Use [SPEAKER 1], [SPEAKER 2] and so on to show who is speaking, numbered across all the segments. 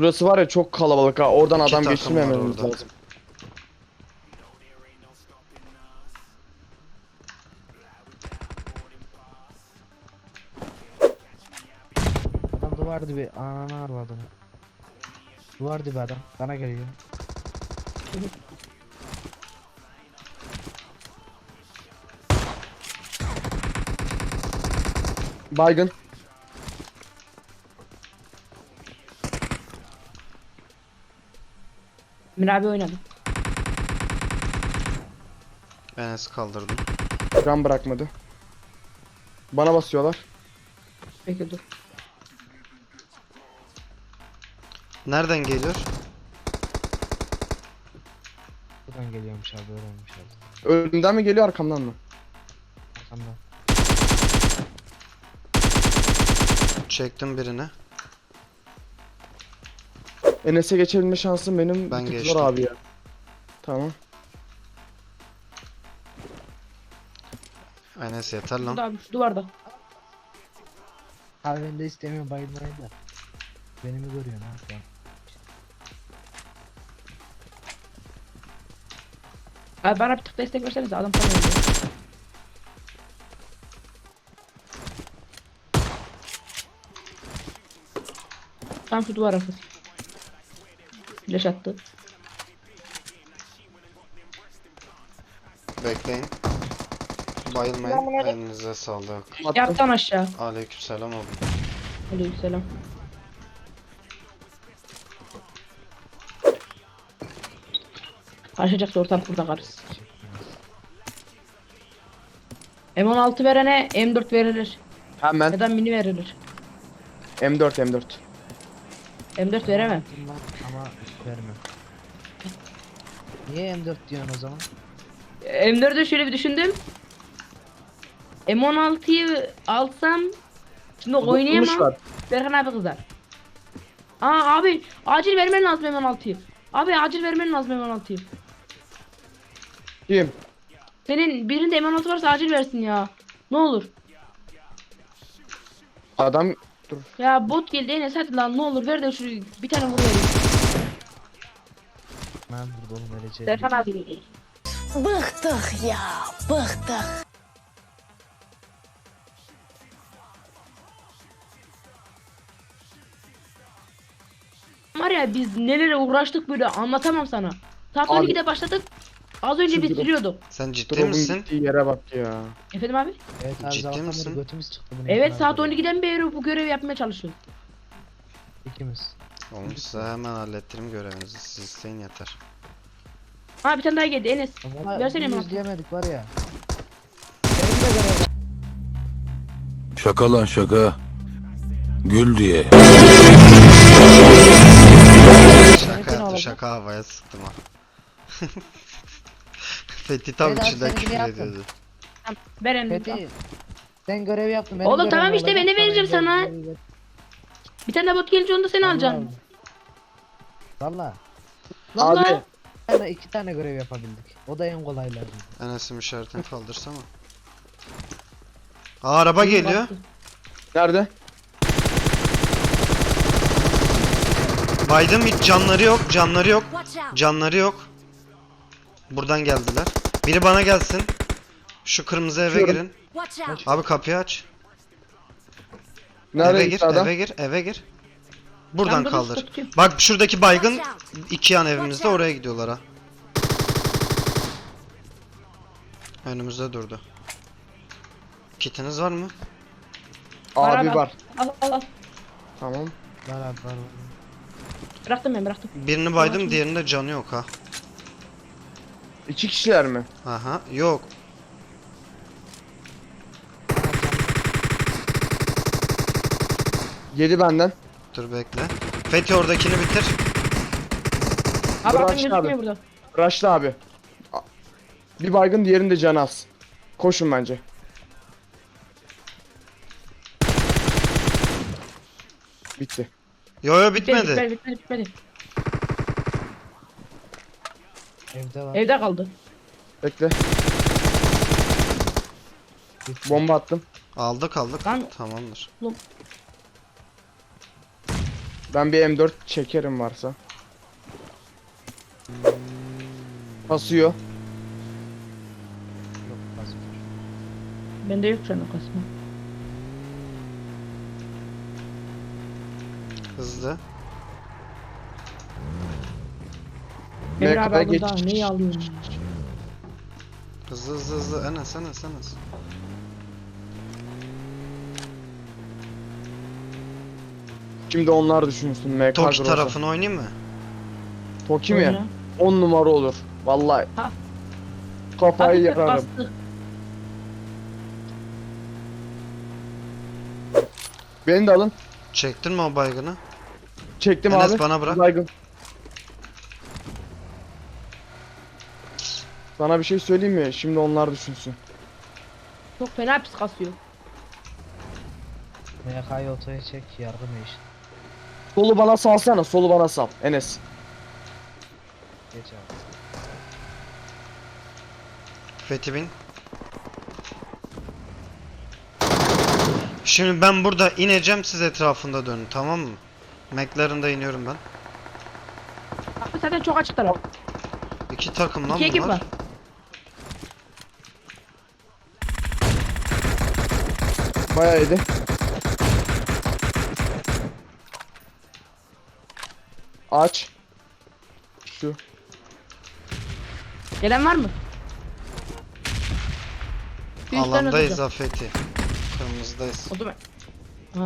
[SPEAKER 1] Şurası var ya çok kalabalık ha. Oradan
[SPEAKER 2] İki
[SPEAKER 1] adam
[SPEAKER 2] takım
[SPEAKER 1] geçirmememiz
[SPEAKER 2] var orada.
[SPEAKER 1] lazım.
[SPEAKER 3] Adam duvar dibi ananı arvadım. Duvar dibi adam bana geliyor.
[SPEAKER 1] Baygın.
[SPEAKER 4] Emir abi oynadı.
[SPEAKER 2] Enes kaldırdım.
[SPEAKER 1] Can bırakmadı. Bana basıyorlar.
[SPEAKER 4] Peki dur.
[SPEAKER 2] Nereden geliyor?
[SPEAKER 3] Buradan geliyormuş abi öğrenmiş abi.
[SPEAKER 1] Önümden mi geliyor arkamdan mı?
[SPEAKER 3] Arkamdan.
[SPEAKER 2] Çektim birini.
[SPEAKER 1] Enes'e geçebilme şansım benim
[SPEAKER 2] Ben
[SPEAKER 1] bir tık
[SPEAKER 2] geçtim.
[SPEAKER 1] zor abi ya. Tamam.
[SPEAKER 2] Enes yeter
[SPEAKER 4] Burada
[SPEAKER 2] lan.
[SPEAKER 4] abi şu duvarda.
[SPEAKER 3] Abi ben de istemiyorum bayılmayı da. Beni mi görüyorsun ha sen?
[SPEAKER 4] Abi bana bir tık destek versenize adam sana oynuyor. Tam şu duvar arkası. Flash attı.
[SPEAKER 2] Bekleyin. Bayılmayın. Elinize sağlık.
[SPEAKER 1] Attım.
[SPEAKER 4] Yaptan aşağı.
[SPEAKER 2] Aleykümselam abi.
[SPEAKER 4] Aleykümselam. Karşıcaksa ortalık burada karız. M16 verene M4 verilir.
[SPEAKER 1] Hemen
[SPEAKER 4] Ya da mini verilir.
[SPEAKER 1] M4.
[SPEAKER 4] M4 veremem.
[SPEAKER 3] Attım lan ama vermem. Niye M4 diyorsun o zaman?
[SPEAKER 4] M4'ü şöyle bir düşündüm. M16'yı alsam şimdi
[SPEAKER 1] Tutmuş
[SPEAKER 4] oynayamam.
[SPEAKER 1] var.
[SPEAKER 4] Berkan abi kızar. Aa abi acil vermen lazım M16'yı. Abi acil vermen lazım M16'yı.
[SPEAKER 1] Kim?
[SPEAKER 4] Senin birinde M16 varsa acil versin ya. Ne olur.
[SPEAKER 1] Adam dur.
[SPEAKER 4] Ya bot geldi Enes hadi lan ne olur ver de şu bir tane vur vereyim.
[SPEAKER 3] Ben burada oğlum öleceğim.
[SPEAKER 4] Berkan abi.
[SPEAKER 5] Bıktık ya, bıktık.
[SPEAKER 4] Var ya biz nelere uğraştık böyle anlatamam sana. Saat
[SPEAKER 1] Abi.
[SPEAKER 4] 12'de başladık. Az önce
[SPEAKER 1] Şu
[SPEAKER 4] bitiriyorduk.
[SPEAKER 2] Sen ciddi
[SPEAKER 1] Drop'un
[SPEAKER 2] misin?
[SPEAKER 1] gittiği yere bak ya.
[SPEAKER 4] Efendim abi?
[SPEAKER 3] Evet abi
[SPEAKER 2] Ciddi
[SPEAKER 3] sabahtan
[SPEAKER 2] misin?
[SPEAKER 3] beri götümüz çıktı bunu
[SPEAKER 4] Evet
[SPEAKER 3] yapmaya
[SPEAKER 4] saat
[SPEAKER 3] kadar.
[SPEAKER 4] 12'den beri bu görevi yapmaya çalışıyoruz.
[SPEAKER 3] İkimiz.
[SPEAKER 2] Oğlum size hemen hallettirim görevinizi. Siz isteyin yeter.
[SPEAKER 4] Ha bir tane daha geldi Enes.
[SPEAKER 3] Ama
[SPEAKER 4] Versene
[SPEAKER 3] bunu
[SPEAKER 4] M16.
[SPEAKER 3] izleyemedik var ya. Benim de görev.
[SPEAKER 6] Şaka lan şaka. Gül diye.
[SPEAKER 2] Şaka
[SPEAKER 4] alalım.
[SPEAKER 2] yaptı, şaka havaya sıktım ha. Fethi tam
[SPEAKER 3] Vedat,
[SPEAKER 2] içinden
[SPEAKER 3] seninkini
[SPEAKER 2] küfür
[SPEAKER 3] yaptım.
[SPEAKER 2] ediyordu.
[SPEAKER 4] Tamam, ver M4.
[SPEAKER 3] Fethi. Sen görev yaptın.
[SPEAKER 4] Oğlum
[SPEAKER 3] görevim
[SPEAKER 4] tamam işte,
[SPEAKER 3] olacak,
[SPEAKER 4] ben de vereceğim
[SPEAKER 3] sonra
[SPEAKER 4] sana.
[SPEAKER 3] görev-
[SPEAKER 4] Bir tane de bot gelince onu da sen alacaksın.
[SPEAKER 3] Valla.
[SPEAKER 4] Vallahi.
[SPEAKER 1] Abi
[SPEAKER 3] Valla 2 tane görev yapabildik. O da en kolaylardı.
[SPEAKER 2] Enes'in işaretini kaldırsana. Aa, araba geliyor.
[SPEAKER 1] nerede?
[SPEAKER 2] Baydım, hiç canları yok, canları yok.
[SPEAKER 5] Watch out.
[SPEAKER 2] Canları yok. Buradan geldiler. Biri bana gelsin. Şu kırmızı eve
[SPEAKER 1] Açıyorum.
[SPEAKER 2] girin.
[SPEAKER 5] Watch out.
[SPEAKER 2] Abi kapıyı aç.
[SPEAKER 1] Nerede
[SPEAKER 2] Eve gir,
[SPEAKER 1] gitti adam?
[SPEAKER 2] eve gir, eve gir. Buradan
[SPEAKER 4] Ben bunu
[SPEAKER 2] kaldır.
[SPEAKER 4] tutuyorum.
[SPEAKER 2] Bak şuradaki baygın
[SPEAKER 5] Watch
[SPEAKER 2] iki yan evimizde, oraya gidiyorlar ha. Önümüzde durdu. Kitiniz var mı?
[SPEAKER 1] Abi
[SPEAKER 4] al.
[SPEAKER 1] var.
[SPEAKER 4] Al al al.
[SPEAKER 1] Tamam.
[SPEAKER 3] Var abi var.
[SPEAKER 4] Bıraktım ben bıraktım.
[SPEAKER 2] Birini baydım, diğerinde canı yok ha.
[SPEAKER 1] 2 kişiler mi?
[SPEAKER 2] Aha, yok.
[SPEAKER 1] Yedi benden.
[SPEAKER 2] Dur bekle. Fethi oradakini bitir.
[SPEAKER 4] Abi
[SPEAKER 1] Bırak
[SPEAKER 4] bakın
[SPEAKER 1] abi.
[SPEAKER 4] gözükmüyor burada.
[SPEAKER 1] Rush'la abi. Bir baygın diğerinde canı az. Koşun bence. Bitti.
[SPEAKER 2] Yo yo,
[SPEAKER 4] Bitmedi
[SPEAKER 2] bitmedi.
[SPEAKER 4] bitmedi.
[SPEAKER 3] Evde var.
[SPEAKER 4] Evde kaldı.
[SPEAKER 1] Bekle.
[SPEAKER 3] Bitti.
[SPEAKER 1] Bomba attım.
[SPEAKER 2] Aldık aldık.
[SPEAKER 4] Lan-
[SPEAKER 2] Tamamdır.
[SPEAKER 4] Oğlum.
[SPEAKER 1] Ben bir M4 çekerim varsa. Basıyor.
[SPEAKER 3] Yok basmıyor.
[SPEAKER 4] Bende yok şu an o kasma.
[SPEAKER 2] Hızlı.
[SPEAKER 4] Emre
[SPEAKER 1] Ne
[SPEAKER 4] abi
[SPEAKER 1] kadar
[SPEAKER 4] aldım
[SPEAKER 1] geç-
[SPEAKER 4] daha neyi alıyorum?
[SPEAKER 2] Hızlı hızlı hızlı. Enes Enes Enes.
[SPEAKER 1] Şimdi onlar düşünsün. MK
[SPEAKER 2] Toki
[SPEAKER 1] Groza.
[SPEAKER 2] tarafını oynayayım mı?
[SPEAKER 1] Toki mi?
[SPEAKER 4] Oyna.
[SPEAKER 1] 10 numara olur. Vallahi.
[SPEAKER 4] Ha.
[SPEAKER 1] Kafayı
[SPEAKER 4] Hafif
[SPEAKER 1] yararım.
[SPEAKER 4] bastı.
[SPEAKER 1] Beni de alın.
[SPEAKER 2] Çektin mi o baygını?
[SPEAKER 1] Çektim
[SPEAKER 2] Enes
[SPEAKER 1] abi.
[SPEAKER 2] bana bırak.
[SPEAKER 1] Baygın. Sana bir şey söyleyeyim mi? Şimdi onlar düşünsün.
[SPEAKER 4] Çok fena pis kasıyor.
[SPEAKER 3] MK'yı otoya çek yardım işte.
[SPEAKER 1] Solu bana salsana. Solu bana sal. Enes.
[SPEAKER 3] Geç abi.
[SPEAKER 2] Fethi bin. Şimdi ben burada ineceğim, siz etrafında dönün, tamam mı? McLaren'da iniyorum ben.
[SPEAKER 4] Abi zaten çok açık taraf.
[SPEAKER 2] İki takım lan
[SPEAKER 4] İki ekip
[SPEAKER 2] bunlar.
[SPEAKER 4] var.
[SPEAKER 1] Bayağı iyiydi. Aç. Şu.
[SPEAKER 4] Gelen var mı? Bir üstten
[SPEAKER 2] Alandayız
[SPEAKER 4] atacağım.
[SPEAKER 2] ha Fethi. Kırmızıdayız.
[SPEAKER 4] O zaman. Ha.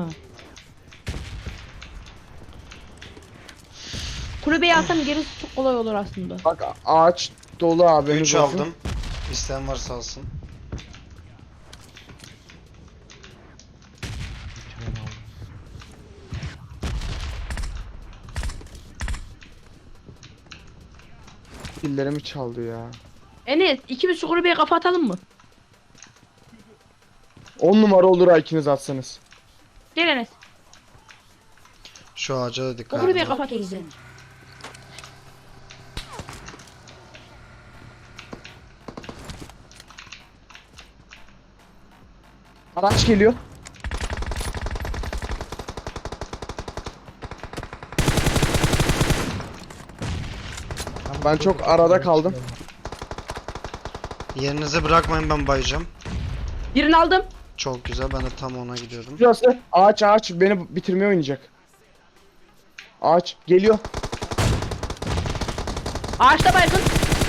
[SPEAKER 4] Kulübeyi alsam gerisi çok kolay olur aslında.
[SPEAKER 1] Bak ağaç dolu abi.
[SPEAKER 2] 3 aldım. İsteyen varsa alsın.
[SPEAKER 3] Ben aldım.
[SPEAKER 1] Dillerimi çaldı ya.
[SPEAKER 4] Enes ikimiz şu kulübeye kafa atalım mı?
[SPEAKER 1] 10 numara olur ha ikiniz atsanız.
[SPEAKER 4] Gel Enes.
[SPEAKER 2] Şu ağaca da
[SPEAKER 4] O
[SPEAKER 2] dikkat
[SPEAKER 4] kulübeye
[SPEAKER 2] edin.
[SPEAKER 4] kafa atıyoruz.
[SPEAKER 1] Araç geliyor. Ben çok arada kaldım.
[SPEAKER 2] Yerinizi bırakmayın, ben bayacağım.
[SPEAKER 4] Birini aldım.
[SPEAKER 2] Çok güzel, ben de tam ona gidiyordum.
[SPEAKER 1] Şurası. Ağaç beni bitirmeye oynayacak. Ağaç geliyor.
[SPEAKER 4] Ağaçta baygın.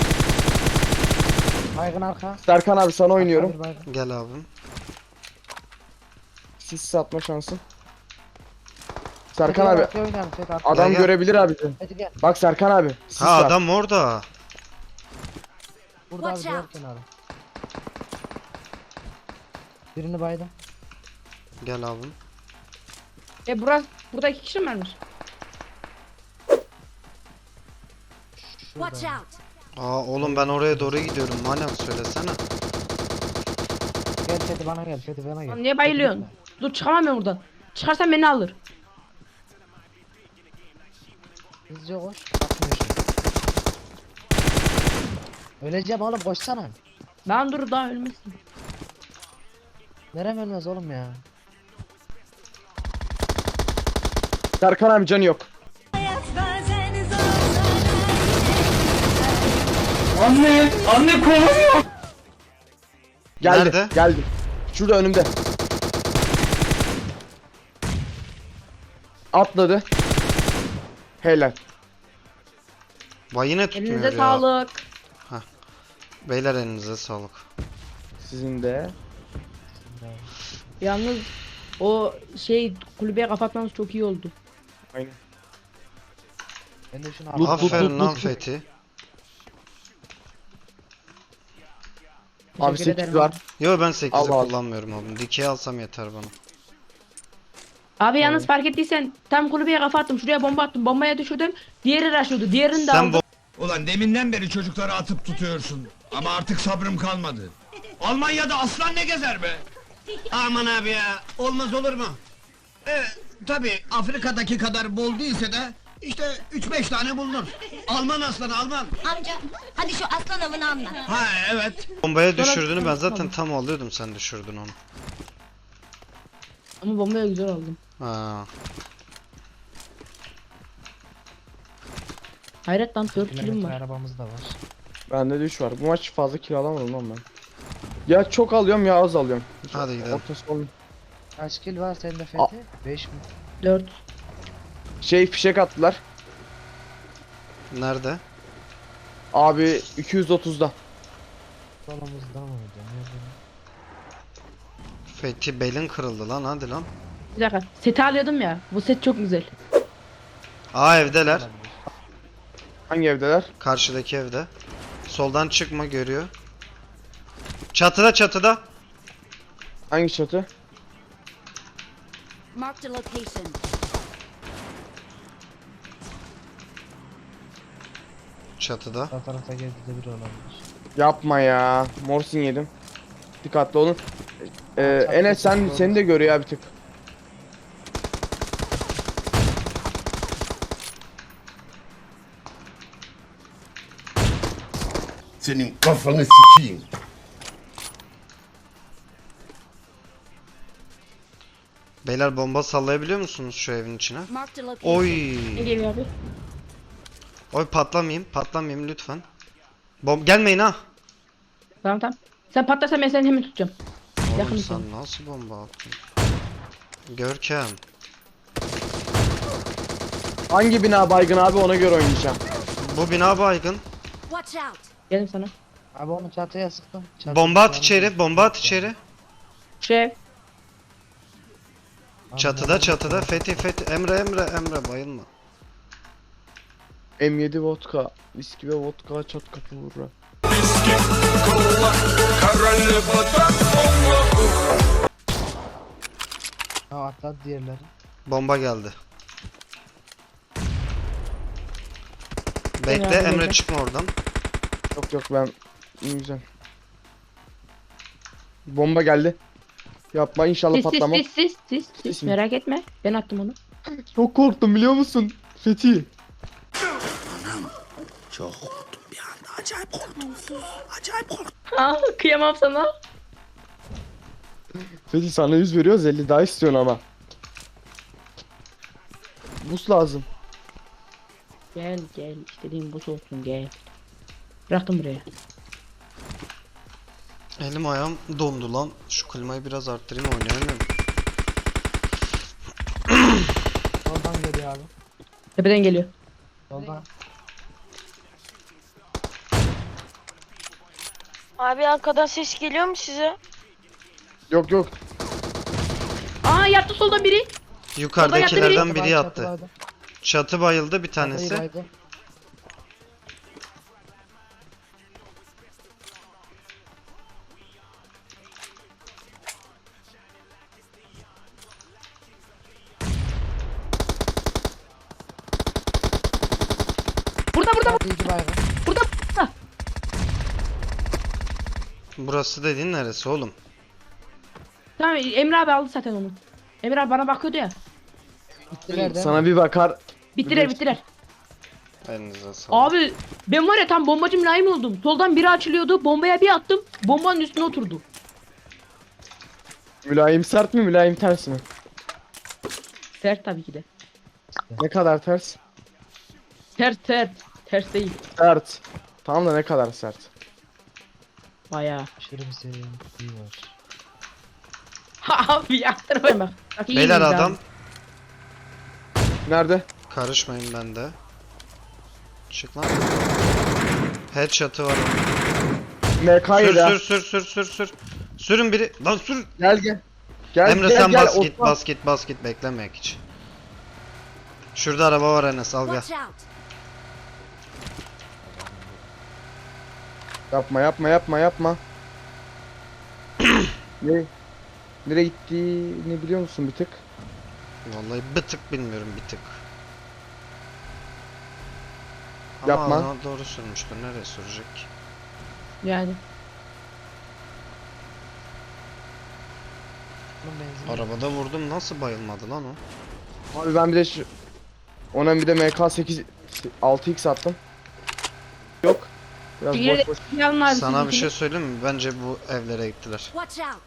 [SPEAKER 3] Baygın arka.
[SPEAKER 1] Serkan abi sana oynuyorum.
[SPEAKER 3] Arka bir baygın.
[SPEAKER 2] Gel abim.
[SPEAKER 1] Sis satma şansın. Serkan abi
[SPEAKER 3] Arkaya oynayalım, Fethi arkaya.
[SPEAKER 1] adam
[SPEAKER 2] gel.
[SPEAKER 1] görebilir abi seni.
[SPEAKER 3] Fethi gel.
[SPEAKER 1] Bak Serkan abi. Sis
[SPEAKER 2] Ha
[SPEAKER 1] var.
[SPEAKER 2] adam orada.
[SPEAKER 3] Burada abi
[SPEAKER 5] Watch
[SPEAKER 3] diğer
[SPEAKER 5] out.
[SPEAKER 3] kenarı. Birini baydım.
[SPEAKER 2] Gel abim.
[SPEAKER 4] Burada iki kişi mi varmış?
[SPEAKER 5] Watch
[SPEAKER 3] Şurada.
[SPEAKER 5] out.
[SPEAKER 2] Aa oğlum ben oraya doğru gidiyorum. Manem söylesene.
[SPEAKER 3] Gel Fethi bana gel. Fethi bana gel.
[SPEAKER 4] Lan niye bayılıyorsun? Dur çıkamam ben buradan. Çıkarsan beni alır.
[SPEAKER 3] Hızlıca koş. Bakmıyor şimdi. Öleceğim oğlum koşsana.
[SPEAKER 4] Ben dur daha ölmesin.
[SPEAKER 3] Nerem ölmez oğlum ya.
[SPEAKER 1] Serkan abi canı yok. Geldi.
[SPEAKER 2] Nerede?
[SPEAKER 1] Geldi. Şurada önümde. Atladı. Helal.
[SPEAKER 2] Vay yine tutmuyor
[SPEAKER 4] Elinize
[SPEAKER 2] ya.
[SPEAKER 4] sağlık.
[SPEAKER 2] Beyler elinize sağlık.
[SPEAKER 1] Sizin de.
[SPEAKER 4] Yalnız o kulübeye kapatmamız çok iyi oldu.
[SPEAKER 1] Aynen.
[SPEAKER 3] Ben de şunu
[SPEAKER 1] Lut,
[SPEAKER 3] al.
[SPEAKER 2] Aferin lan
[SPEAKER 1] lut.
[SPEAKER 2] Fethi.
[SPEAKER 1] Abi
[SPEAKER 4] Teşekkür
[SPEAKER 1] 8
[SPEAKER 4] ederim.
[SPEAKER 1] var.
[SPEAKER 2] Yo ben 8'i
[SPEAKER 1] Al, al.
[SPEAKER 2] kullanmıyorum abim. Dikey alsam yeter bana.
[SPEAKER 4] Abi yalnız fark ettiysen tam kulübeye kafa attım. Şuraya bomba attım. Bombaya düşürdüm. Diğeri rushlıyordu. Diğerini de
[SPEAKER 2] Sen
[SPEAKER 4] aldım.
[SPEAKER 7] Ulan deminden beri çocukları atıp tutuyorsun. Ama artık sabrım kalmadı. Almanya'da aslan ne gezer be? Aman abi ya, olmaz olur mu? Tabi Afrika'daki kadar bol değilse de işte 3-5 tane bulunur. Alman aslanı Alman.
[SPEAKER 5] Amca hadi şu aslan avını anlat.
[SPEAKER 7] Ha evet.
[SPEAKER 2] bombaya
[SPEAKER 4] Sonra-
[SPEAKER 2] düşürdüğünü ben zaten tam alıyordum, sen düşürdün onu.
[SPEAKER 4] Ama bombaya güzel aldım.
[SPEAKER 2] Ha.
[SPEAKER 4] Hayret lan 4 kilim
[SPEAKER 3] Kilometre
[SPEAKER 4] var.
[SPEAKER 3] arabamız da var.
[SPEAKER 1] Bende de 3 var. Bu maç fazla kill alamadım lan ben. Ya çok alıyorum ya az alıyorum.
[SPEAKER 2] Hadi gidelim.
[SPEAKER 1] Ortası olmuyor.
[SPEAKER 3] Kaç kill var sende Fethi? 5 mi?
[SPEAKER 4] 4.
[SPEAKER 1] Fişek attılar.
[SPEAKER 2] Nerede?
[SPEAKER 1] Abi 230'da.
[SPEAKER 3] Solumuzda mıydı? Nerede?
[SPEAKER 2] Fethi belin kırıldı lan, hadi lan.
[SPEAKER 4] Bir dakika. Seti alıyordum ya. Bu set çok güzel.
[SPEAKER 2] Aa, evdeler.
[SPEAKER 1] Hangi evdeler?
[SPEAKER 2] Karşıdaki evde. Soldan çıkma, görüyor. Çatıda, çatıda.
[SPEAKER 1] Hangi çatı?
[SPEAKER 5] Marked a location.
[SPEAKER 2] Çatıda.
[SPEAKER 3] Sağ tarafta gezdi de biri olabilir.
[SPEAKER 1] Yapma ya. Morsin yedim. Dikkatli olun. Enes seni de görüyor ya bir tık.
[SPEAKER 8] Senin kafanı sikeyim.
[SPEAKER 2] Beyler, bomba sallayabiliyor musunuz şu evin içine?
[SPEAKER 5] Marked a location.
[SPEAKER 2] Oy.
[SPEAKER 4] Ne geliyor abi?
[SPEAKER 2] Oy, patlamayayım lütfen. Gelmeyin ha.
[SPEAKER 4] Tamam tamam. Sen patlarsan ben seni hemen tutacağım.
[SPEAKER 2] Oğlum
[SPEAKER 4] Yakın
[SPEAKER 2] sen nasıl bomba attın? Görkem.
[SPEAKER 1] Hangi bina baygın abi ona göre oynayacağım.
[SPEAKER 2] Bu bina baygın.
[SPEAKER 5] Watch out.
[SPEAKER 4] Geldim sana.
[SPEAKER 3] Abi onu çatıya sıktım. Çatı
[SPEAKER 2] Bomba at
[SPEAKER 3] yanında
[SPEAKER 2] içeri,
[SPEAKER 3] bir-
[SPEAKER 2] bomba at içeri.
[SPEAKER 4] Şef.
[SPEAKER 3] Abi
[SPEAKER 2] Çatıda,
[SPEAKER 3] bomba-
[SPEAKER 2] çatıda. Fethi. Emre bayılma.
[SPEAKER 1] M7 vodka, viski ve vodka çat kapı vurur.
[SPEAKER 3] Ha atladı diğerleri.
[SPEAKER 2] Bomba geldi. Bekle
[SPEAKER 4] Emre abi,
[SPEAKER 2] Emre,
[SPEAKER 4] bekle.
[SPEAKER 2] çıkma oradan.
[SPEAKER 1] Yok ben güzel. Bomba geldi. Yapma inşallah
[SPEAKER 4] Sis
[SPEAKER 1] patlamam.
[SPEAKER 4] sis.
[SPEAKER 1] mi?
[SPEAKER 4] Merak etme. Ben attım onu.
[SPEAKER 1] Çok korktum biliyor musun? Fethi.
[SPEAKER 4] Aa, kıyamam sana.
[SPEAKER 1] Fethi sana 100 veriyoruz 50 daha istiyorsun ama. Bus lazım.
[SPEAKER 4] Gel istediğin bu olsun gel. Bıraktım buraya.
[SPEAKER 2] Elim ayağım dondu lan. Şu klimayı biraz arttırayım, oynayamıyorum.
[SPEAKER 3] Soldan geliyor abi.
[SPEAKER 4] Tepeden geliyor.
[SPEAKER 3] Soldan.
[SPEAKER 9] Abi arkadan ses geliyor mu size?
[SPEAKER 1] Yok.
[SPEAKER 4] Aa yattı solda biri.
[SPEAKER 2] Yukarıdakilerden biri
[SPEAKER 3] Çatı
[SPEAKER 2] yattı.
[SPEAKER 3] baydı.
[SPEAKER 2] Çatı bayıldı bir
[SPEAKER 3] Çatıyı
[SPEAKER 2] tanesi.
[SPEAKER 3] baydı.
[SPEAKER 4] Burada.
[SPEAKER 3] Çatı iki baygın.
[SPEAKER 4] Burada.
[SPEAKER 2] Burası dediğin neresi oğlum?
[SPEAKER 4] Tamam Emre abi aldı zaten onu. Emre abi bana bakıyordu ya.
[SPEAKER 3] Gittiler de.
[SPEAKER 1] Sana bir bakar.
[SPEAKER 4] Bittiler.
[SPEAKER 2] Elinize sağlık.
[SPEAKER 4] Abi ben var ya tam bombacı mülayim oldum. Soldan biri açılıyordu. Bombaya bir attım. Bombanın üstüne oturdu.
[SPEAKER 1] Mülayim sert mi mülayim ters mi?
[SPEAKER 4] Sert tabii ki de.
[SPEAKER 1] Ne kadar ters?
[SPEAKER 4] Sert. Ters değil.
[SPEAKER 1] Sert. Tamam da ne kadar sert?
[SPEAKER 4] Bayağı.
[SPEAKER 3] Aşırı bir seviye var.
[SPEAKER 4] Abi yaktırmayın bak. Bak iyi
[SPEAKER 2] Beyler
[SPEAKER 4] miyiz
[SPEAKER 2] adam.
[SPEAKER 4] abi?
[SPEAKER 1] Nerede?
[SPEAKER 2] Karışmayın bende. Çık lan. Headshot'ı var.
[SPEAKER 1] MK yedi
[SPEAKER 2] Sür. Sürün biri. Lan sür.
[SPEAKER 1] Gel.
[SPEAKER 2] Emre sen
[SPEAKER 1] Osman.
[SPEAKER 2] bas git beklemek hiç. Şurada araba var Enes, al gel.
[SPEAKER 5] Watch out.
[SPEAKER 1] Yapma. Ne? Nereye gittiğini biliyor musun bir tık?
[SPEAKER 2] Vallahi bir tık bilmiyorum, bir tık.
[SPEAKER 1] Yapma.
[SPEAKER 2] Ama ona doğru sürmüştür, nereye sürecek?
[SPEAKER 4] Yani.
[SPEAKER 3] Bunun benzin.
[SPEAKER 2] Arabada vurdum, nasıl bayılmadı lan o?
[SPEAKER 1] Abi ben bir de ona bir de MK8 6x attım. Yok. Biraz
[SPEAKER 4] Bir
[SPEAKER 1] boş.
[SPEAKER 4] Yalın abi
[SPEAKER 2] Sana bir
[SPEAKER 4] sizinkini.
[SPEAKER 2] şey söyleyeyim mi? Bence bu evlere gittiler.
[SPEAKER 5] Watch out.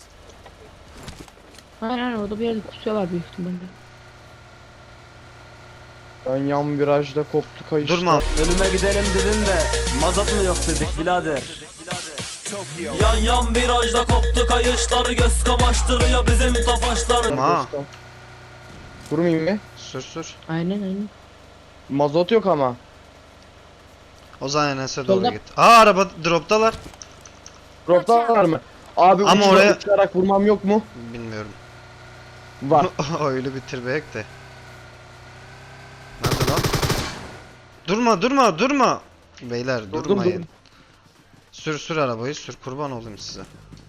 [SPEAKER 4] Aynen orada bir yerde kusuyorlar büyük ihtimalle.
[SPEAKER 1] Ön yan virajda koptu kayışta.
[SPEAKER 2] Durma.
[SPEAKER 10] Ölüme gidelim dedin de mazot mu yok dedik birader. Yan yan virajda koptu kayışlar, göz kamaştırıyor bizim tofaşlar.
[SPEAKER 2] Ha.
[SPEAKER 1] Durmayayım mı?
[SPEAKER 2] Sür.
[SPEAKER 4] Aynen.
[SPEAKER 1] Mazot yok ama.
[SPEAKER 2] O zaman Enes'e doğru
[SPEAKER 4] Solda.
[SPEAKER 2] git. Aa araba droptalar.
[SPEAKER 1] Droplar mı? Abi
[SPEAKER 2] Ama
[SPEAKER 1] uçarak
[SPEAKER 2] oraya-
[SPEAKER 1] uçarak vurmam yok mu?
[SPEAKER 2] Bilmiyorum.
[SPEAKER 1] Var.
[SPEAKER 2] Öyle bitirmeyek de. Nerede lan? Durma. Beyler
[SPEAKER 1] Durdum,
[SPEAKER 2] durmayın.
[SPEAKER 1] durdum.
[SPEAKER 2] Sür arabayı sür, kurban olayım size.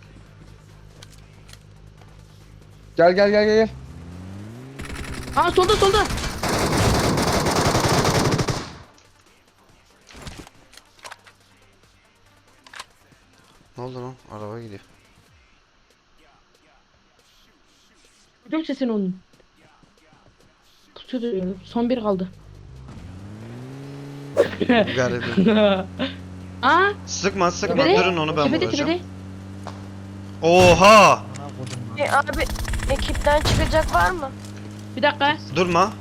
[SPEAKER 1] Gel.
[SPEAKER 4] Aa solda.
[SPEAKER 2] Ne oldu lan? Araba gidiyor.
[SPEAKER 4] Duydum sesini onun. Pusuyordu diyorum. Son bir kaldı.
[SPEAKER 2] Garibim.
[SPEAKER 4] Aa
[SPEAKER 2] Sıkma
[SPEAKER 4] tepede.
[SPEAKER 2] durun onu ben
[SPEAKER 4] Tepede.
[SPEAKER 2] vuracağım. Oha!
[SPEAKER 3] Ana kodum lan.
[SPEAKER 9] Abi ekipten çıkacak var mı?
[SPEAKER 4] Bir dakika.
[SPEAKER 2] Durma.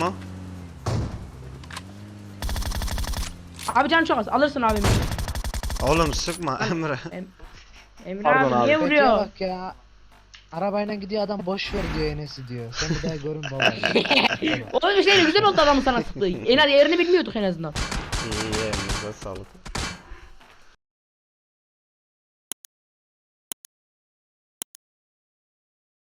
[SPEAKER 4] Abi can çok az. Alırsın abimi.
[SPEAKER 2] Oğlum sıkma Emre.
[SPEAKER 4] Emre
[SPEAKER 1] Pardon
[SPEAKER 4] abi
[SPEAKER 1] abi.
[SPEAKER 4] niye
[SPEAKER 3] Bekle
[SPEAKER 4] vuruyor?
[SPEAKER 3] bak ya. Arabayla gidiyor adam, boş ver diyor Enes'i diyor. Sen bir daha görün baba.
[SPEAKER 4] Oğlum işte güzel oldu adamın sana sıktığı. En az yerini bilmiyorduk en azından.
[SPEAKER 2] İyi elinize sağlık.